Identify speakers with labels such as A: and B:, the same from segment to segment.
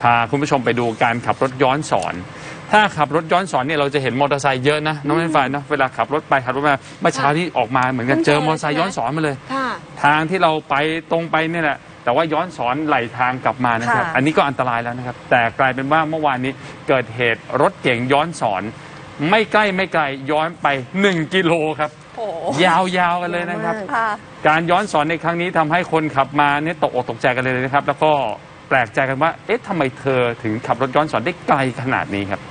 A: พาคุณผู้ชมไปดูการขับรถย้อนสอนถ้าขับรถย้อนสอนเนี่ยเราจะเห็นมอเตอร์ไซค์เยอะนะน้องเล่นไฟเนาะเวลาขับรถไปขับรถมาเมื่อเช้าที่ออกมาเหมือนกันเจอมอเตอร์ไซค์ย้อนสอนมาเลยทางที่เราไปตรงไปเนี่ยแหละแต่ว่าย้อนสอนไหลทางกลับมานะครับอันนี้ก็อันตรายแล้วนะครับแต่กลายเป็นว่าเมื่อวานนี้เกิดเหตุรถเก๋งย้อนสอนไม่ใกล้ไม่ไกลย้อนไป1 กิโลครับยาวๆกันเลยนะครับการย้อนสอนในครั้งนี้ทำให้คนขับมาเนี่ยตกอกตกใจกันเลยนะครับแล้วก็แปลกใจกันว่าเอ๊ะทำไมเธอถึงขับรถย้อนสอนได้ไกลขนาดนี้ครับ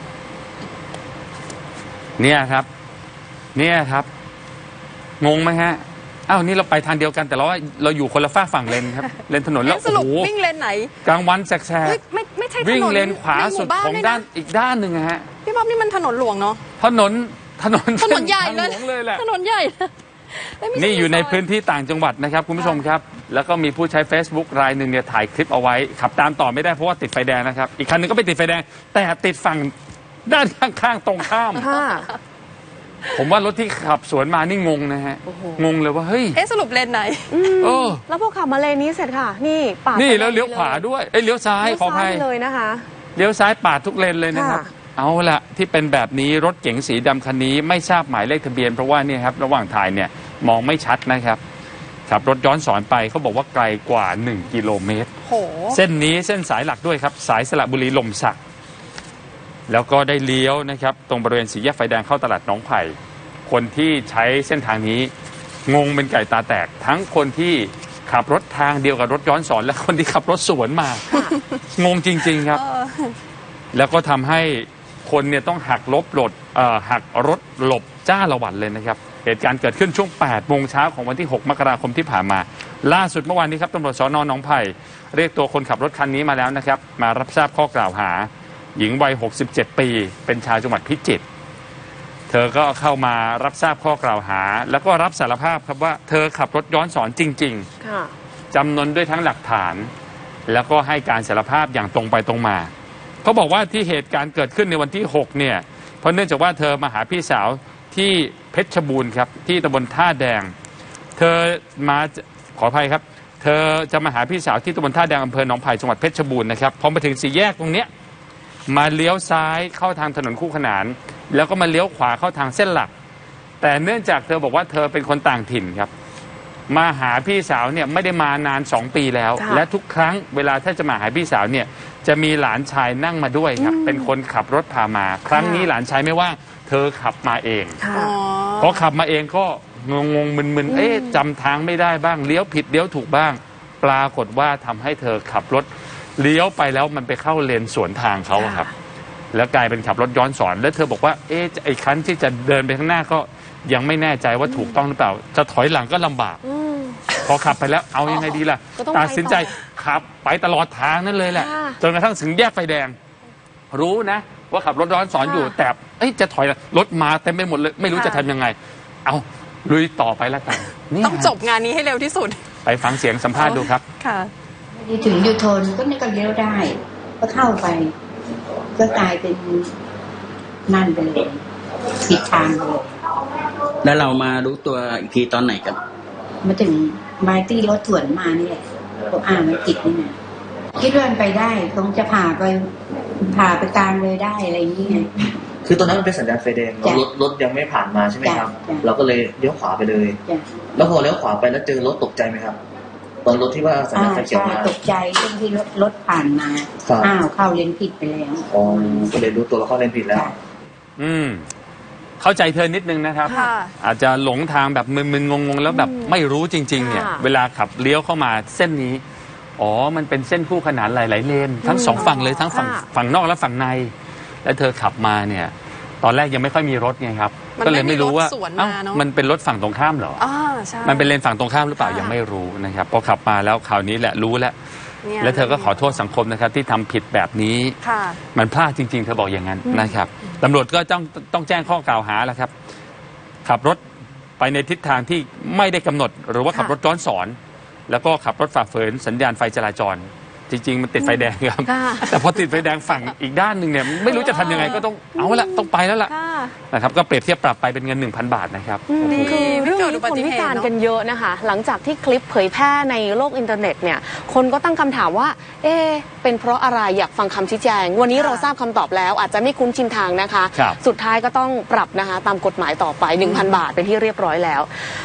A: เนี่ยครับงงไหมฮะอ้าวนี่เราไปทางเดียวกันแต่เราอยู่คนละฝั่งเลนครับเลนถนนแล้วโอ้โห
B: วิ่งเลนไหน
A: กลางวันแสก
B: ไม่ใช่
A: วิ่งเลนขวาสุดของด้านอีกด้านหนึ่งฮะ
B: พี่บ๊อบนี่มันถนนหลวงเนาะ
A: ถนน
B: ใหญ่
A: เลยแหละ
B: ถนนใหญ่
A: นี่อยู่ในพื้นที่ต่างจังหวัดนะครับคุณผู้ชมครับแล้วก็มีผู้ใช้ Facebook รายหนึ่งเนี่ยถ่ายคลิปเอาไว้ขับตามต่อไม่ได้เพราะว่าติดไฟแดงนะครับอีกคันนึงก็ไปติดไฟแดงแต่ติดฝั่งด้านข้างๆตรงข้ามผมว่ารถที่ขับสวนมานี่งงนะฮะงงเลยว่าเฮ้ย
B: สรุปเลนไหน
C: แล้วพอขับมาเลนนี้เสร็จค่ะนี่ปาด
A: นี่แล้วเลี้ยวขวาด้วยเลี้ยวซ้ายขออภัย
C: เลยนะคะ
A: เลี้ยวซ้ายปาดทุกเลนเลยนะครับเอาละที่เป็นแบบนี้รถเก๋งสีดำคันนี้ไม่ทราบหมายเลขทะเบียนเพราะว่าเนี่ยครับระหว่างถ่ายเนี่ยมองไม่ชัดนะครับขับรถย้อนสอนไปเขาบอกว่าไกลกว่า1 กิโลเมตรเส้นนี้เส้นสายหลักด้วยครับสายสระบุรีลมสักแล้วก็ได้เลี้ยวนะครับตรงบริเวณสี่แยกไฟแดงเข้าตลาดหนองไผ่คนที่ใช้เส้นทางนี้งงเป็นไก่ตาแตกทั้งคนที่ขับรถทางเดียวกับรถย้อนสอนและคนที่ขับรถสวนมางงจริงๆครับแล้วก็ทำให้คนเนี่ยต้องหักรถหลบจ้าละวันเลยนะครับเหตุการณ์เกิดขึ้นช่วง 8 โมงเช้าของวันที่ 6 มกราคมที่ผ่านมาล่าสุดเมื่อวานนี้ครับตำรวจสน.หนองไผ่เรียกตัวคนขับรถคันนี้มาแล้วนะครับมารับทราบข้อกล่าวหาหญิงวัย 67 ปีเป็นชาวจังหวัดพิจิตรเธอก็เข้ามารับทราบข้อกล่าวหาแล้วก็รับสารภาพครับว่าเธอขับรถย้อนสอนจริงๆจำนวนด้วยทั้งหลักฐานแล้วก็ให้การสารภาพอย่างตรงไปตรงมาเขาบอกว่าที่เหตุการณ์เกิดขึ้นในวันที่ 6เนี่ยเพราะเนื่องจากว่าเธอมาหาพี่สาวที่เพชรบูรณ์ครับที่ตำบลท่าแดงเธอมาขออภัยครับเธอจะมาหาพี่สาวที่ตำบลท่าแดงอำเภอหนองไผ่จังหวัดเพชรบูรณ์นะครับพอมาถึงสี่แยกตรงเนี้ยมาเลี้ยวซ้ายเข้าทางถนนคู่ขนานแล้วก็มาเลี้ยวขวาเข้าทางเส้นหลักแต่เนื่องจากเธอบอกว่าเธอเป็นคนต่างถิ่นครับมาหาพี่สาวเนี่ยไม่ได้มานาน2 ปีแล้วและทุกครั้งเวลาถ้าจะมาหาพี่สาวเนี่ยจะมีหลานชายนั่งมาด้วยครับเป็นคนขับรถพามาครั้งนี้หลานชายไม่ว่างเธอขับมาเองพอขับมาเองก็งงมึนจำทางไม่ได้บ้างเลี้ยวผิดเลี้ยวถูกบ้างปรากฏว่าทำให้เธอขับรถเลี้ยวไปแล้วมันไปเข้าเลนสวนทางเขาครับแล้วกลายเป็นขับรถย้อนสอนแล้วเธอบอกว่าไอ้คันที่จะเดินไปข้างหน้าก็ยังไม่แน่ใจว่าถูกต้องหรือเปล่าจะถอยหลังก็ลำบากพอขับไปแล้วเอายังไงดีล่ะตัดสินใจขับไปตลอดทางนั่นเลยแหละจนกระทั่งถึงแยกไฟแดงรู้นะว่าขับรถย้อนสอนอยู่แต่จะถอยรถมาเต็มไปหมดเลยไม่รู้จะทำยังไงเอาลุยต่อไปแล้วกัน
B: ต้องจบงานนี้ให้เร็วที่สุด
A: ไปฟังเสียงสัมภาษณ์ดูครับ
B: ค่ะ
D: ถึงยูโทนก็นี่ก็เลี้ยวได้ก็เข้าไปก็กลายเป็นนั่นไปเลยผิดทางเลย
E: แล้วเรามารู้ตัวอีกทีตอนไหนกัน
D: มาถึงบายตี้รถสวนมานี่แหละก็มันติดนี่นะคิดว่ามันไปได้คงจะผ่าไปกลางเลยได้อะไรอย่างนี้ไง
F: คือตอนนั้นมันเป็นสัญญาณไฟแดงรถยังไม่ผ่านมาใช่ไหมครับเราก็เลยเลี้ยวขวาไปเลยแล้วพอเลี้ยวขวาไปแล้วเจอรถตกใจไหมครับตอนรถที่ว่าสัญญาณไฟเขียวมา
D: ตกใจตรงที่รถผ่านมาเข้าเลนผิดไปแล้ว
F: ก็เลยรู้ตัวเราเข้าเลนผิดแล้ว
A: เข้าใจเธอนิดนึงนะครับอาจจะหลงทางแบบมึนๆงงๆแล้วแบบไม่รู้จริงๆเนี่ยเวลาขับเลี้ยวเข้ามาเส้นนี้มันเป็นเส้นคู่ขนานหลายๆเลนทั้ง2 ฝั่งเลยทั้งฝั่งนอกและฝั่งในแล้วเธอขับมาเนี่ยตอนแรกยังไม่ค่อยมีรถไงครับก็เลยไม่รู้ว่ามันเป็นรถฝั่งตรงข้ามเหรอมันเป็นเลนฝั่งตรงข้ามหรือเปล่ายังไม่รู้นะครับพอขับมาแล้วคราวนี้แหละรู้แล้วเธอก็ขอโทษสังคมนะครับที่ทำผิดแบบนี้มันพลาดจริงๆเธอบอกอย่างนั้นนะครับตำรวจก็ต้องแจ้งข้อกล่าวหาแล้วครับขับรถไปในทิศทางที่ไม่ได้กำหนดหรือว่าขับรถย้อนสอนแล้วก็ขับรถฝ่าฝืนสัญญาณไฟจราจรจริงๆมันติดไฟแดงครับแต่พอติดไฟแดงฝั่งอีกด้านหนึ่งเนี่ยไม่รู้จะทำยังไงก็ต้องเอาละต้องไปแล้วล่ะนะครับก็เปรียบเทียบปรับไปเป็นเงิน 1,000 บาทนะครับ
B: ดี
C: คือเรื่องนี้
B: ไม่เกิดอุบั
C: คน
B: ติเหตุ
C: วิจารณ์
B: เนอะ
C: กันเยอะนะคะ หลังจากที่คลิปเผยแพร่ในโลกอินเทอร์เน็ตเนี่ยคนก็ตั้งคำถามว่าเป็นเพราะอะไรอยากฟังคำชี้แจง วันนี้เราทราบคำตอบแล้วอาจจะไม่คุ้นชินทางนะคะ
A: ครับ
C: สุดท้ายก็ต้องปรับนะคะตามกฎหมายต่อไป 1,000 บาทเป็นที่เรียบร้อยแล้ว